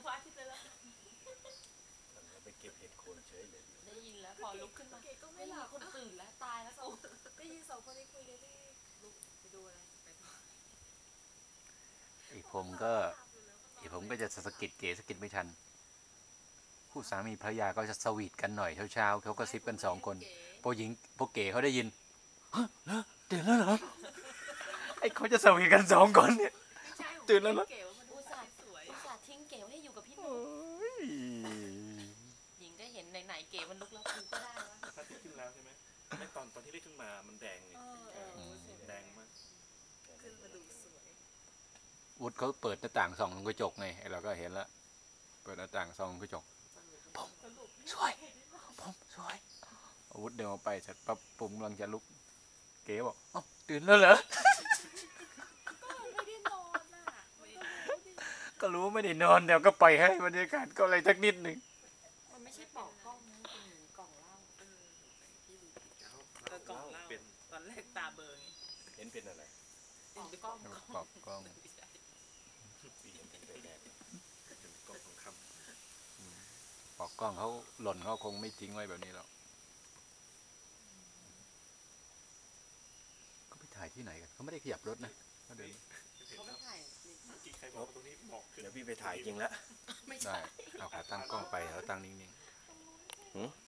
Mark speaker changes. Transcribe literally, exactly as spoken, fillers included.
Speaker 1: พระอาทิตย์แล้ว
Speaker 2: ไปเก็บเห็ดโคนเฉยเลย
Speaker 1: ได้ยินแล้วพอลุกขึ้นมา
Speaker 3: เก๋ก็ไม่หลับ
Speaker 1: คนตื่นแล้วตายแล้วกู
Speaker 3: ได้ยินสองคนนี้คุยกันที่ลุกไปดูอะไรไปต่อ
Speaker 4: อีผมก็อีผมก็จะสะกิดเก๋สะกิดไม่ทันคู่สามีภรรยาก็จะสวีทกันหน่อยเช้าๆเขาก็ซิปกันสองคนพวกหญิงพวกเก๋เขาได้ยินฮะแล้วตื่นแล้วเหรอไอ้เขาจะสวีทกันสองคนเนี่ยตื่นแล้วเหรอ
Speaker 1: อุตส่าห์อุตส่าห์ทิ้งเก๋ไว้ให้อยู่กับพี่หนูหญิงได้เห็นไหนๆเก๋มันลุกแล้วกูก็ได้วะ
Speaker 2: พระอาทิตย์ขึ้นแล้วใช่ไหมไอ้ตอนตอนที่เรียกขึ้นมามันแดงเลยแดงมาก
Speaker 3: ขึ้นมาดูสวย
Speaker 4: วุฒิเขาเปิดหน้าต่างส่องกระจกไงเราก็เห็นแล้วเปิดหน้าต่างส่องกระจกผมสวยผมสวยอาวุธเดินออกไปเสร็จปั๊บผมกำลังจะลุกเก๋บอกอ๋อตื่นแล้วเหรอ
Speaker 3: ไม่ได้นอนอ่ะ
Speaker 4: ก็รู้ไม่ได้นอนเดี๋ยวก็ปล่อยให้บรรยากาศก็อะไรสักนิดหนึ่ง
Speaker 1: มันไม่ใช่ปอกกล้องนะเป็นเหมือนกล่องเหล้า
Speaker 3: เออพี่ดูผิดเออกล่องเหล้าตอนแรกตาเบอร์ไง
Speaker 2: เห็นเป็นอะไร
Speaker 1: ปอกกล้อง
Speaker 4: ปอกกล้อง
Speaker 2: ปีเห็นเป็นแดงเป็นกล้องทองค
Speaker 4: ำปอกกล้องเขาหล่นเขาคงไม่ทิ้งไว้แบบนี้หรอกเขาไปถ่ายที่ไหนกันเขาไม่ได้ขยับรถนะเขาเดิน
Speaker 1: เขาไม่ถ่าย
Speaker 2: กี่ใครบอกตรงนี้บอกเดี๋ยวพี่ไปถ่ายจริงแล้ว
Speaker 4: ไม่ใช่เอาขาตั้งกล้องไปแล้วตั้งนิ่งๆ